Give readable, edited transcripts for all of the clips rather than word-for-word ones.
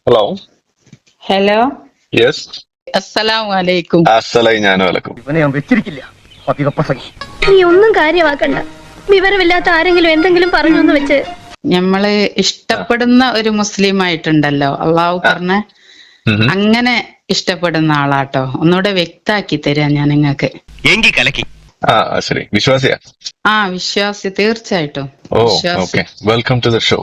Hello. Hello. Yes. അസ്സലാമു അലൈക്കും. അസ്സലായി ഞാനും അലക്കും. ഇവനെ ഞാൻ വെച്ചിരിക്കില്ല. നീ ഒന്നും കാര്യമാക്കണ്ട. വിവരമില്ലാത്ത ആരെങ്കിലും എന്തെങ്കിലും പറഞ്ഞു എന്ന് വെച്ച് ഞമ്മള് ഇഷ്ടപ്പെടുന്ന ഒരു മുസ്ലിം ആയിട്ടുണ്ടല്ലോ, അള്ളാഹു പറഞ്ഞ അങ്ങനെ ഇഷ്ടപ്പെടുന്ന ആളാട്ടോ. ഒന്നുകൂടെ വ്യക്താക്കി തരാം ഞാൻ നിങ്ങൾക്ക്. ശരി. വിശ്വാസിയാ? വിശ്വാസി, തീർച്ചയായിട്ടും ഓ, വിശ്വാസി. Okay. Welcome to the show.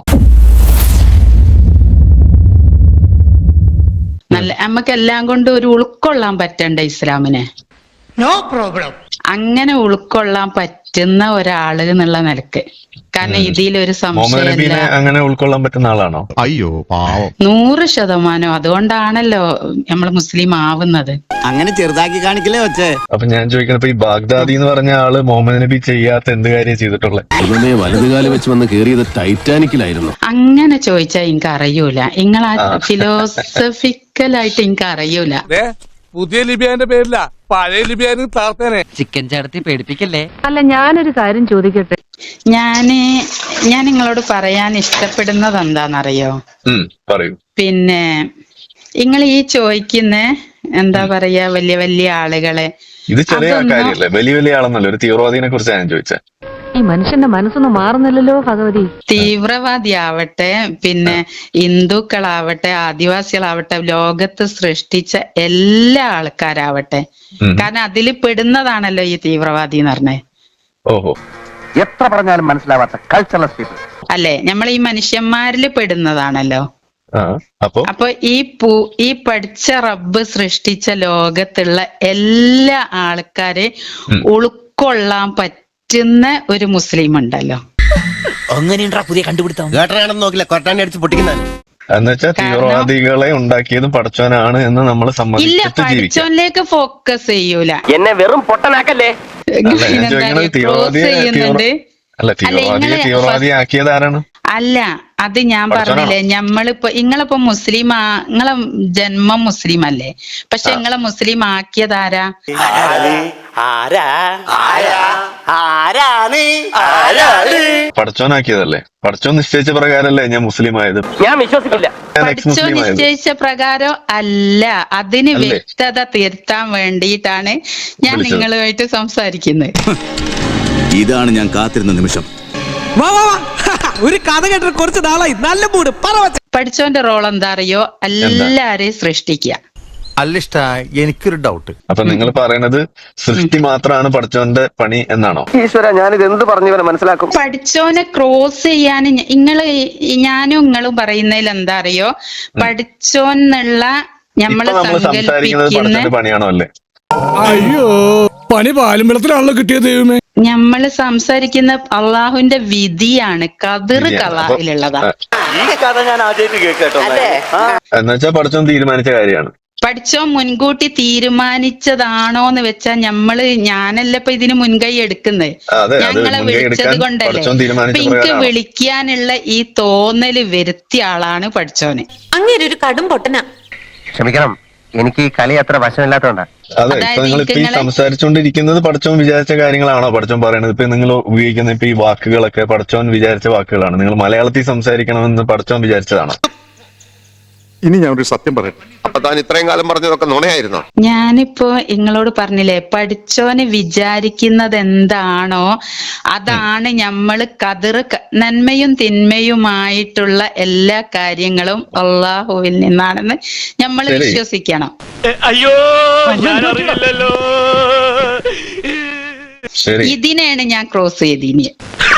നല്ല നമുക്ക് എല്ലാം കൊണ്ട് ഒരു ഉൾക്കൊള്ളാൻ പറ്റണ്ട ഇസ്ലാമിനെ. No problem. അങ്ങനെ ഉൾക്കൊള്ളാൻ പറ്റുന്ന ഒരാള് എന്നുള്ള നിലക്ക്. കാരണം ഇതിലൊരു മുഹമ്മദ് നബീനെ സംശയമില്ല. അങ്ങനെ ഉൾക്കൊള്ളാൻ പറ്റുന്ന ആളാണോ? അയ്യോ പാവം. 100%. അതുകൊണ്ടാണല്ലോ നമ്മൾ മുസ്ലിം ആവുന്നത്. അങ്ങനെ ചെറുതാക്കി കാണിക്കലേ വെച്ചേ. അപ്പൊ ഞാൻ ചോദിക്കുന്നത്, ഇപ്പൊ ഈ ബാഗ്ദാദി എന്ന് പറഞ്ഞ ആള് മുഹമ്മദ് നബി ചെയ്യാത്ത എന്ത് കാര്യം ചെയ്തിട്ടുള്ളത്? വലതുകാലം വെച്ച് വന്ന് കേറിയത് ടൈറ്റാനിക്കിലായിരുന്നു. അങ്ങനെ ചോദിച്ചാ എനിക്ക് അറിയൂല. നിങ്ങളാ ഫിലോസഫിക്കലായിട്ട് എനിക്ക് അറിയൂല. പുതിയ ലിബിയാന്റെ പേരില്ല, പഴയ ലിബിയാനും താർത്തേനെ. ചിക്കൻ ചേർത്തി പേടിപ്പിക്കല്ലേ. അല്ല, ഞാനൊരു കാര്യം ചോദിക്കട്ടെ. ഞാൻ നിങ്ങളോട് പറയാൻ ഇഷ്ടപ്പെടുന്നത് എന്താണെന്നറിയോ? പറയൂ. പിന്നെ നിങ്ങൾ ഈ ചോദിക്കുന്ന എന്താ പറയാ, വലിയ വലിയ ആളുകളെ, ഇത് ചെറിയ കാര്യമല്ലേ? വലിയ വലിയ ആളെന്നല്ല, ഒരു തീവ്രവാദിനെ കുറിച്ചാണ് ഞാൻ ചോദിച്ചത്. ഈ മനുഷ്യന്റെ മനസ്സൊന്നും മാറുന്നില്ലല്ലോ ഭഗവതി. തീവ്രവാദി ആവട്ടെ, പിന്നെ ഹിന്ദുക്കളാവട്ടെ, ആദിവാസികളാവട്ടെ, ലോകത്ത് സൃഷ്ടിച്ച എല്ലാ ആൾക്കാരാവട്ടെ, കാരണം അതിൽ പെടുന്നതാണല്ലോ ഈ തീവ്രവാദി എന്ന് പറഞ്ഞേ. ഓഹോ. എത്ര പറഞ്ഞാലും മനസ്സിലാവാത്ത കൾച്ചറൽ പീപ്പിൾ അല്ലെ? നമ്മൾ ഈ മനുഷ്യന്മാരിൽ പെടുന്നതാണല്ലോ. അപ്പൊ ഈ പഠിച്ച റബ്ബ് സൃഷ്ടിച്ച ലോകത്തുള്ള എല്ലാ ആൾക്കാരെ ഉൾക്കൊള്ളാൻ പറ്റുന്ന ഒരു മുസ്ലിം ഉണ്ടല്ലോ. അങ്ങനെയുണ്ടാ പുതിയ കണ്ടുപിടുത്തം. കേട്ടറാണെന്ന് നോക്കില്ല, കൊട്ടാണ്ടി അടിച്ച് പൊട്ടിക്കുന്ന എന്നുവെച്ചാൽ തീവ്രവാദികളെ ഉണ്ടാക്കിയതും പടച്ചോനാണ് എന്ന് നമ്മൾ ഇല്ല, സമ്മതിച്ചിട്ട് ജീവിക്കാം. പഠിച്ചോനിലേക്ക് ഫോക്കസ് ചെയ്യൂല. എന്നെ വെറും പൊട്ടനാക്കല്ലേ. തീവ്രവാദി ആക്കിയത് ആരാണ്? അല്ല, അത് ഞാൻ പറഞ്ഞില്ലേ, നിങ്ങളിപ്പോ മുസ്ലിം, നിങ്ങളെ ജന്മം മുസ്ലിം അല്ലേ? പക്ഷെ നിങ്ങളെ മുസ്ലിം ആക്കിയതാരാ? പടച്ചോനാക്കിയതല്ലേ? പടച്ചോൻ നിശ്ചയിച്ച പ്രകാരല്ലേ ഞാൻ മുസ്ലിം ആയത്? ഞാൻ വിശ്വസിക്കില്ല. പഠിച്ചോ നിശ്ചയിച്ച പ്രകാരം അല്ല. അതിന് വ്യക്തത തീർത്താൻ വേണ്ടിയിട്ടാണ് ഞാൻ നിങ്ങളുമായിട്ട് സംസാരിക്കുന്നത്. ഇതാണ് ഞാൻ കാത്തിരുന്ന നിമിഷം. ഒരു കഥ കേട്ടിട്ട് കുറച്ച് നാളായി. നല്ല മൂട് പറ. പഠിച്ചോന്റെ റോൾ എന്താ അറിയോ? എല്ലാരെയും സൃഷ്ടിക്കുക. അല്ലിഷ്ട, എനിക്കൊരു ഡൗട്ട്. അപ്പൊ നിങ്ങൾ പറയണത് സൃഷ്ടി മാത്രമാണ് പഠിച്ചോന്റെ പണി എന്നാണോ? ഈശ്വര, ഞാനിത് എന്ത് പറഞ്ഞു മനസ്സിലാക്കും? പഠിച്ചോനെ ക്രോസ് ചെയ്യാൻ ഞാനും നിങ്ങളും പറയുന്നതിൽ എന്താ അറിയോ? പഠിച്ചോന്നുള്ള നമ്മള് സങ്കല്പിക്കുന്ന പണിയാണോ? അല്ലേ? അയ്യോ, പണി പാലും വെള്ളത്തിലാണല്ലോ കിട്ടിയത് ദൈവമേ. നമ്മള് സംസാരിക്കുന്ന അള്ളാഹുവിന്റെ വിധിയാണ്. ഖദർ ഖലായിലുള്ളതാ. എന്നുവെച്ചാൽ പഠിച്ചോൻ തീരുമാനിച്ച കാര്യമാണ്. പഠിച്ചോൻ മുൻകൂട്ടി തീരുമാനിച്ചതാണോന്ന് വെച്ചാ ഞാനല്ല ഇപ്പൊ ഇതിന് മുൻകൈ എടുക്കുന്നത്. ഞങ്ങളെ വിളിച്ചത് കൊണ്ടല്ലേ. അപ്പൊ എനിക്ക് വിളിക്കാനുള്ള ഈ തോന്നല് വരുത്തിയ ആളാണ് പഠിച്ചോന്. അങ്ങനെ ഒരു കടും പൊട്ടന. ക്ഷമിക്കണം, എനിക്ക് ഈ കളി അത്ര വശമില്ലാത്തോണ്ടാ. അതെ, ഇപ്പൊ നിങ്ങൾ ഇപ്പൊ ഈ സംസാരിച്ചുകൊണ്ടിരിക്കുന്നത് പഠിച്ചോൻ വിചാരിച്ച കാര്യങ്ങളാണോ പഠിച്ചോൻ പറയണത്? ഇപ്പൊ നിങ്ങൾ ഉപയോഗിക്കുന്ന ഇപ്പൊ ഈ വാക്കുകളൊക്കെ പഠിച്ചോൻ വിചാരിച്ച വാക്കുകളാണ്. നിങ്ങൾ മലയാളത്തിൽ സംസാരിക്കണമെന്ന് പഠിച്ചോൻ വിചാരിച്ചതാണോ? ഇനി ഞാൻ ഒരു സത്യം പറയട്ടെ. അപ്പൊ താൻ ഇത്രയും കാലം പറഞ്ഞതൊക്കെ നുണയായിരുന്നോ? ഞാനിപ്പോ നിങ്ങളോട് പറഞ്ഞില്ലേ, പഠിച്ചോന് വിചാരിക്കുന്നത് എന്താണോ അതാണ് നമ്മള് നന്മയും തിന്മയുമായിട്ടുള്ള എല്ലാ കാര്യങ്ങളും അള്ളാഹുവിൽ നിന്നാണെന്ന് നമ്മൾ വിശ്വസിക്കണം. അയ്യോ, ഞാനറിയില്ലല്ലോ. ഇതിനെയാണ് ഞാൻ ക്രോസ് ചെയ്തിനി.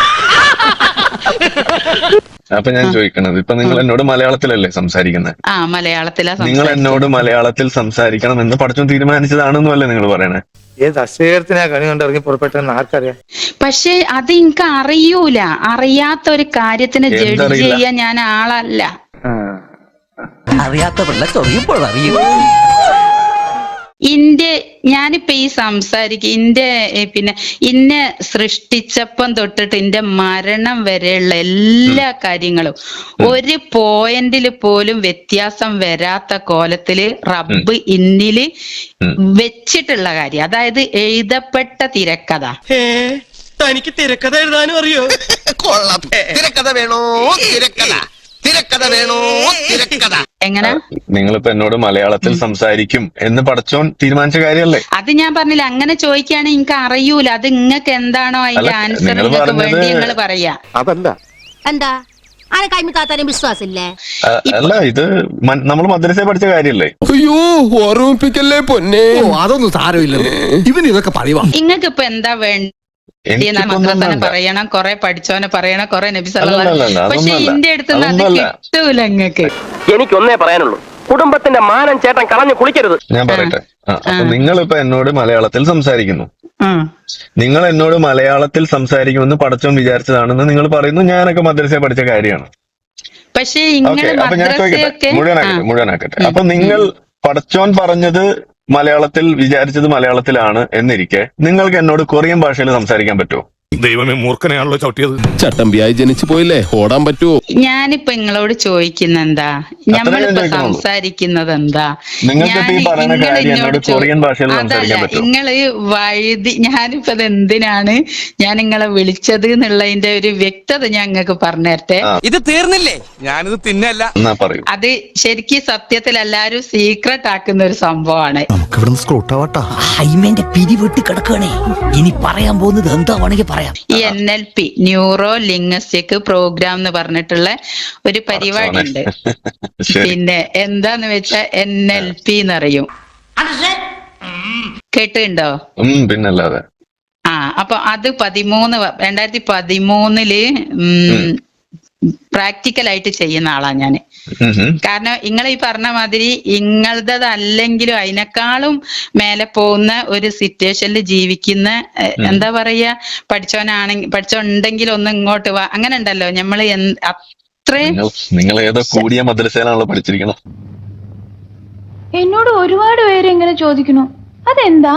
അപ്പൊ ഞാൻ ചോദിക്കണത്, ഇപ്പൊ നിങ്ങൾ എന്നോട് മലയാളത്തിലല്ലേ സംസാരിക്കുന്നത്? മലയാളത്തിലാ. നിങ്ങൾ എന്നോട് മലയാളത്തിൽ സംസാരിക്കണം എന്ന് പഠിച്ചോൻ തീരുമാനിച്ചതാണെന്നും അല്ലേ നിങ്ങൾ പറയണേ? ഏത് അശ്വേരത്തിനാ കണി കൊണ്ട് ഇറങ്ങി പുറപ്പെട്ടെന്ന് ആർക്കറിയാം? പക്ഷെ അത് എനിക്ക് അറിയൂല. അറിയാത്ത ഒരു കാര്യത്തിന് ജഡ്ജ് ചെയ്യാൻ ഞാൻ ആളല്ല. അറിയാത്ത പിള്ള ചൊറിയുമ്പോൾ അറിയൂ. ഞാനിപ്പോ ഈ പിന്നെ ഇന്നെ സൃഷ്ടിച്ചപ്പം തൊട്ടിട്ട് എന്റെ മരണം വരെയുള്ള എല്ലാ കാര്യങ്ങളും ഒരു പോയിന്റിൽ പോലും വ്യത്യാസം വരാത്ത കോലത്തില് റബ്ബ് ഇന്നില് വെച്ചിട്ടുള്ള കാര്യം, അതായത് എഴുതപ്പെട്ട തിരക്കഥ. തനിക്ക് തിരക്കഥ എഴുതാനും അറിയോ? കൊള്ളാം. തിരക്കഥ വേണോ? തിരക്കഥ തിരക്കഥ വേണോ തിരക്കഥ? എങ്ങനെ നിങ്ങളിപ്പോ എന്നോട് മലയാളത്തിൽ സംസാരിക്കും എന്ന് പടച്ചോൻ തീരുമാനിച്ച കാര്യമല്ലേ? അത് ഞാൻ പറഞ്ഞില്ല. അങ്ങനെ ചോദിക്കുകയാണെങ്കിൽ എനിക്ക് അറിയൂല. അത് നിങ്ങൾക്ക് എന്താണോ അതിന്റെ ആൻസർ നിങ്ങൾക്ക് വേണ്ടി നിങ്ങൾ പറയാ. അതല്ല എന്താ ആരെ കൈമിക്കാത്താനും വിശ്വാസില്ലേ? അല്ല, ഇത് നമ്മൾ മദ്രസയിൽ പഠിച്ച കാര്യമല്ലേ? അയ്യോ ഓർമ്മിപ്പിക്കല്ലേ പൊന്നെ. അതൊന്നും സാരമില്ല, ഇവന് ഇതൊക്കെ പറയുവാ. നിങ്ങൾക്ക് ഇപ്പൊ എന്താ വേണ്ടി? മദ്രസനെ പറയണം, കൊറേ പഠിച്ചോനെ പറയണം, കൊറേ നബി സല്ലല്ലാഹു അലൈഹി വസല്ലം. പക്ഷെ ഇന്റെ അടുത്ത് അത് കിട്ടൂല. നിങ്ങൾക്ക് എനിക്കൊന്നേ പറയാനുള്ളൂ, കുടുംബത്തിന്റെ മാനം ചേട്ടൻ കളഞ്ഞു കുളിക്കരുത്. ഞാൻ പറയട്ടെ. അപ്പൊ നിങ്ങളിപ്പോ എന്നോട് മലയാളത്തിൽ സംസാരിക്കുന്നു. നിങ്ങൾ എന്നോട് മലയാളത്തിൽ സംസാരിക്കുമെന്ന് പടച്ചോൻ വിചാരിച്ചതാണെന്ന് നിങ്ങൾ പറയുന്നു. ഞാനൊക്കെ മദ്രസയിൽ പഠിച്ച കാര്യമാണ്. പക്ഷേ അപ്പൊ ഞാൻ ചോദിക്കട്ടെ, മുഴുവനാക്കട്ടെ. അപ്പൊ നിങ്ങൾ പടച്ചോൻ പറഞ്ഞത് മലയാളത്തിൽ വിചാരിച്ചത് മലയാളത്തിലാണ് എന്നിരിക്കെ നിങ്ങൾക്ക് എന്നോട് കൊറിയൻ ഭാഷയിൽ സംസാരിക്കാൻ പറ്റുമോ? ദൈവമേ, മൂർഖനെയാണല്ലോ ചവിട്ടിയത്. ചട്ടമ്പിയായി ജനിച്ചു പോയില്ലേ, ഓടാൻ പറ്റുമോ? ഞാനിപ്പോ നിങ്ങളോട് ചോദിക്കുന്ന എന്താ, നമ്മളിപ്പോ സംസാരിക്കുന്നത് എന്താ? അതല്ല, നിങ്ങള് വഴുതി. ഞാനിപ്പോ അത് എന്തിനാണ് ഞാൻ നിങ്ങളെ വിളിച്ചത് എന്നുള്ളതിന്റെ ഒരു വ്യക്തത ഞാൻ നിങ്ങൾക്ക് പറഞ്ഞുതരട്ടെ. ഇത് തീർന്നില്ലേ? ഞാനിത് തിന്നല്ല. അത് ശരിക്കും സത്യത്തിൽ എല്ലാരും സീക്രട്ട് ആക്കുന്ന ഒരു സംഭവമാണ്. ഹൈമേന്റെ പിരിവിട്ട് കിടക്കണേ. ഇനി പറയാൻ പോകുന്നത് എന്താ വേണമെങ്കിൽ പറയാം. ഈ NLP, ന്യൂറോ ലിംഗ്വിസ്റ്റിക് പ്രോഗ്രാം എന്ന് പറഞ്ഞിട്ടുള്ള ഒരു പരിപാടി ഉണ്ട്. പിന്നെ എന്താന്ന് വെച്ചാ NLP എന്നറിയും. കേട്ടിട്ടുണ്ടോ? പിന്നല്ലാതെ. അപ്പൊ അത് 2013 പ്രാക്ടിക്കലായിട്ട് ചെയ്യുന്ന ആളാണ് ഞാന്. കാരണം നിങ്ങൾ ഈ പറഞ്ഞ മാതിരി ഇങ്ങളതല്ലെങ്കിലും അതിനേക്കാളും മേലെ പോകുന്ന ഒരു സിറ്റുവേഷനിൽ ജീവിക്കുന്ന, എന്താ പറയാ, പഠിച്ചോണ്ടെങ്കിലും ഒന്ന് ഇങ്ങോട്ട് വാ, അങ്ങനെ ഉണ്ടല്ലോ. നമ്മള് അത്രയും നിങ്ങൾ ഏതോ കൂടിയ മദ്രസയിലാണല്ലോ പഠിച്ചിരിക്കണം. എന്നോട് ഒരുപാട് പേര് ഇങ്ങനെ ചോദിക്കുന്നു, അതെന്താ?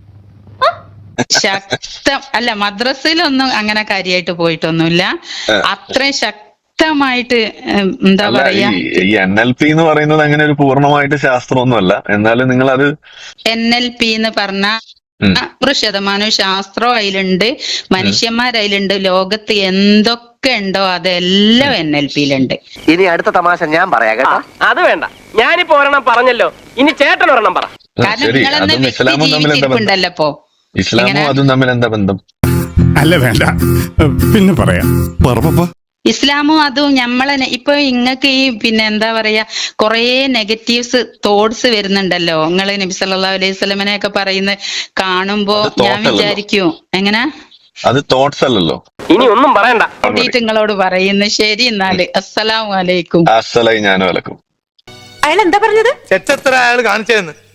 അല്ല, മദ്രസയിലൊന്നും അങ്ങനെ കാര്യമായിട്ട് പോയിട്ടൊന്നുമില്ല. അത്രയും ശക്തമായിട്ട് എന്താ പറയാ. ഈ NLP എന്ന് പറയുന്നത് അങ്ങനെ ഒരു പൂർണ്ണമായിട്ട് ശാസ്ത്രമൊന്നുമല്ല. എന്നാലും നിങ്ങൾ അത് NLP എന്ന് പറഞ്ഞ 100% ശാസ്ത്രം അതിലുണ്ട്, മനുഷ്യന്മാരതിലുണ്ട്. ലോകത്ത് എന്തൊക്കെ ഉണ്ടോ അതെല്ലാം NLPയിലുണ്ട്. ഇനി അടുത്ത തമാശ ഞാൻ പറയാം കേട്ടോ. അത് വേണ്ട, ഞാനിപ്പോ ഒരെണ്ണം പറഞ്ഞല്ലോ, ഇനി ചേട്ടൻ ഒരെണ്ണം പറ. കാരണം നിങ്ങളെന്നെ വ്യക്തി ജീവിച്ചിരിപ്പുണ്ടല്ലോ. ഇപ്പോ ഇസ്ലാമും അതും തമ്മിൽ എന്താ ബന്ധം? അല്ല, വേണ്ട, പിന്നെ പറയാം. ഇസ്ലാമും അതും നമ്മളെ ഇപ്പൊ ഇങ്ങക്ക് ഈ പിന്നെ എന്താ പറയാ കൊറേ നെഗറ്റീവ്സ് തോട്ട്സ് വരുന്നുണ്ടല്ലോ. നിങ്ങള് നബി സല്ലല്ലാഹു അലൈഹി വസല്ലമനെ ഒക്കെ പറയുന്ന കാണുമ്പോ ഞാൻ വിചാരിക്കും, എങ്ങനെ അത് തോട്ട്സ് അല്ലല്ലോ. ഇനി ഒന്നും പറയണ്ട, നിങ്ങളോട് പറയുന്നു. ശരി, എന്നാല് അസ്സലാമു അലൈക്കും. അസ്സലായി ഞാനും അലക്കും. അയാൾ എന്താ പറഞ്ഞത്? ചെറ്റത്ര അയാൾ കാണിച്ചതെന്ന്